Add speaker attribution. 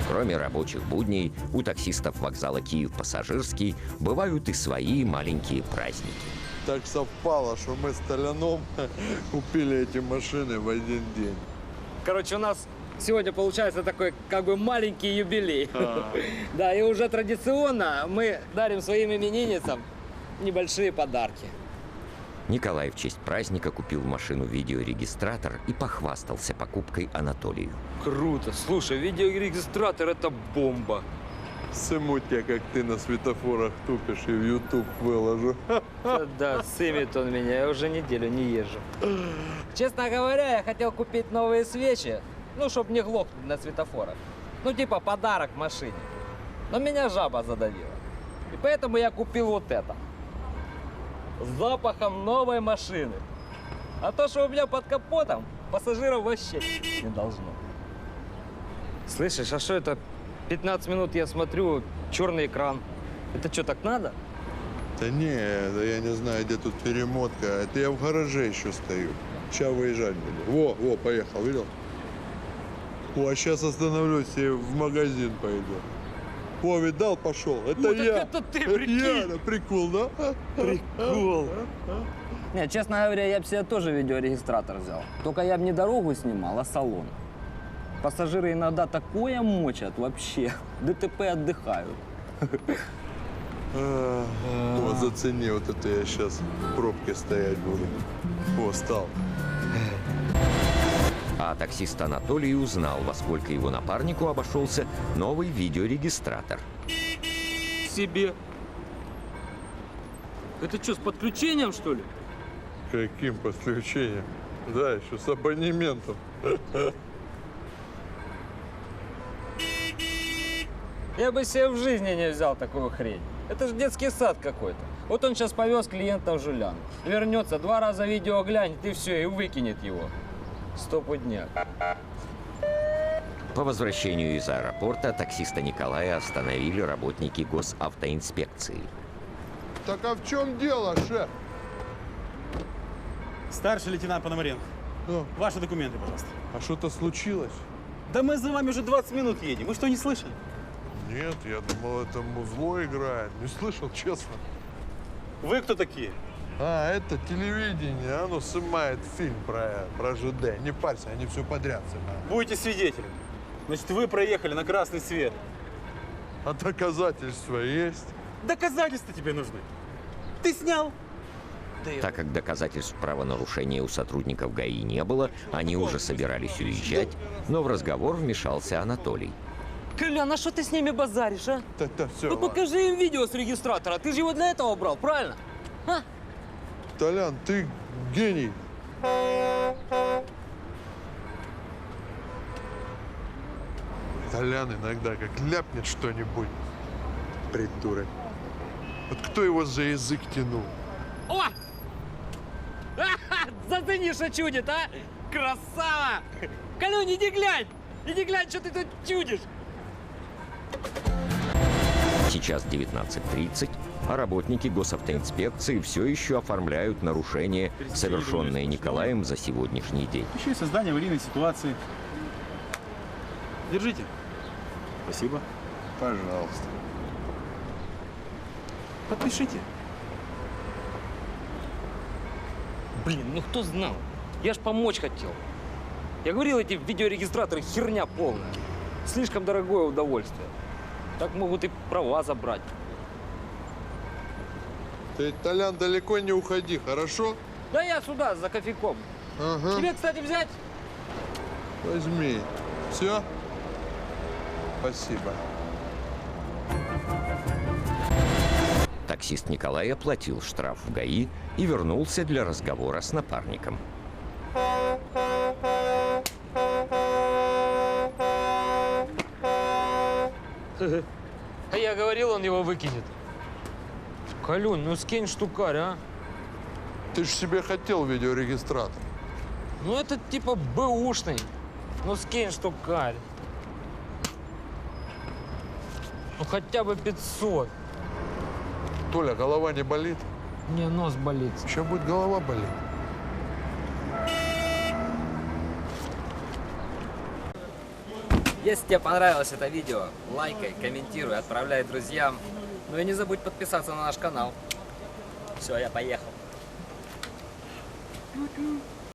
Speaker 1: Кроме рабочих будней, у таксистов вокзала Киев-Пассажирский бывают и свои маленькие праздники.
Speaker 2: Так совпало, что мы с Толяном купили эти машины в один день.
Speaker 3: Короче, у нас сегодня получается такой как бы маленький юбилей. Да, и уже традиционно мы дарим своим именинницам небольшие подарки.
Speaker 1: Николай в честь праздника купил машину-видеорегистратор и похвастался покупкой Анатолию.
Speaker 3: Круто. Слушай, видеорегистратор – это бомба.
Speaker 2: Сыму тебя, как ты на светофорах тупишь, и в YouTube выложу.
Speaker 3: Да, сымет он меня, я уже неделю не езжу. Честно говоря, я хотел купить новые свечи, ну, чтобы не глохнуть на светофорах. Ну, типа подарок машине. Но меня жаба задавила. И поэтому я купил вот это. С запахом новой машины. А то, что у меня под капотом, пассажиров вообще не должно. Слышишь, а что это? 15 минут я смотрю, черный экран. Это что, так надо?
Speaker 2: Да не, да я не знаю, где тут перемотка. Это я в гараже еще стою. Сейчас выезжать буду. Во, поехал, видел? О, а сейчас остановлюсь и в магазин пойду. О, видал, пошел. Это
Speaker 3: Ну, так
Speaker 2: я.
Speaker 3: это ты, прикинь.
Speaker 2: Я, да, прикол, да?
Speaker 3: Прикол.
Speaker 4: Не, честно говоря, я бы себе тоже видеорегистратор взял. Только я бы не дорогу снимал, а салон. Пассажиры иногда такое мочат вообще. ДТП отдыхают.
Speaker 2: О, зацени, вот это я сейчас в пробке стоять буду. О, стал.
Speaker 1: А таксист Анатолий узнал, во сколько его напарнику обошелся новый видеорегистратор.
Speaker 3: Себе. Это что, с подключением, что ли?
Speaker 2: Каким подключением? Да, еще с абонементом.
Speaker 3: Я бы себе в жизни не взял такую хрень. Это же детский сад какой-то. Вот он сейчас повез клиента в Жулян. Вернется, 2 раза видео глянет и все, и выкинет его. Стопудняк.
Speaker 1: По возвращению из аэропорта таксиста Николая остановили работники госавтоинспекции.
Speaker 2: Так а в чем дело, шеф?
Speaker 5: Старший лейтенант Пономаренко.
Speaker 2: Ну,
Speaker 5: Ваши документы, пожалуйста.
Speaker 2: а что-то случилось?
Speaker 5: Да мы за вами уже 20 минут едем. Вы что, не слышали?
Speaker 2: Нет, я думал, это музло играет. Не слышал, честно.
Speaker 5: Вы кто такие?
Speaker 2: А, это телевидение, оно снимает фильм про ЖД. Не парься, они все подряд снимают.
Speaker 5: Будете свидетелем. Значит, вы проехали на красный свет.
Speaker 2: А доказательства есть?
Speaker 5: Доказательства тебе нужны. Ты снял.
Speaker 1: Так как доказательств правонарушения у сотрудников ГАИ не было, они уже собирались уезжать, но в разговор вмешался Анатолий.
Speaker 3: Колян, а что ты с ними базаришь, а?
Speaker 2: Так, все.
Speaker 3: Ну покажи им видео с регистратора. Ты же его для этого брал, правильно? А?
Speaker 2: Толян, ты гений. Толян иногда как ляпнет что-нибудь. Придурок. Вот кто его за язык тянул?
Speaker 3: О! Зацени, что чудит, а? Красава! Колюнь, иди глянь! Иди глянь, что ты тут чудишь!
Speaker 1: Сейчас 19:30, а работники госавтоинспекции все еще оформляют нарушения, совершенные Николаем за сегодняшний день.
Speaker 5: Еще и создание аварийной ситуации. Держите. Спасибо.
Speaker 2: Пожалуйста.
Speaker 5: Подпишите.
Speaker 3: Блин, ну кто знал? Я ж помочь хотел. Я говорил, эти видеорегистраторы херня полная. Слишком дорогое удовольствие. Так могут и права забрать.
Speaker 2: Ты, Толян, далеко не уходи, хорошо?
Speaker 3: Да я сюда, за кофейком.
Speaker 2: Ага.
Speaker 3: Тебе, кстати, взять?
Speaker 2: Возьми. Все? Спасибо.
Speaker 1: Таксист Николай оплатил штраф в ГАИ и вернулся для разговора с напарником.
Speaker 3: А я говорил, он его выкинет. Колюнь, ну скинь штукарь, а?
Speaker 2: Ты же себе хотел видеорегистратор.
Speaker 3: Ну это типа бэушный. Ну скинь штукарь. Ну хотя бы 500.
Speaker 2: Толя, голова не болит?
Speaker 3: Мне нос болит.
Speaker 2: Еще будет голова болеть.
Speaker 3: Если тебе понравилось это видео, лайкай, комментируй, отправляй друзьям. Ну и не забудь подписаться на наш канал. Все, я поехал.
Speaker 6: Ту-ту.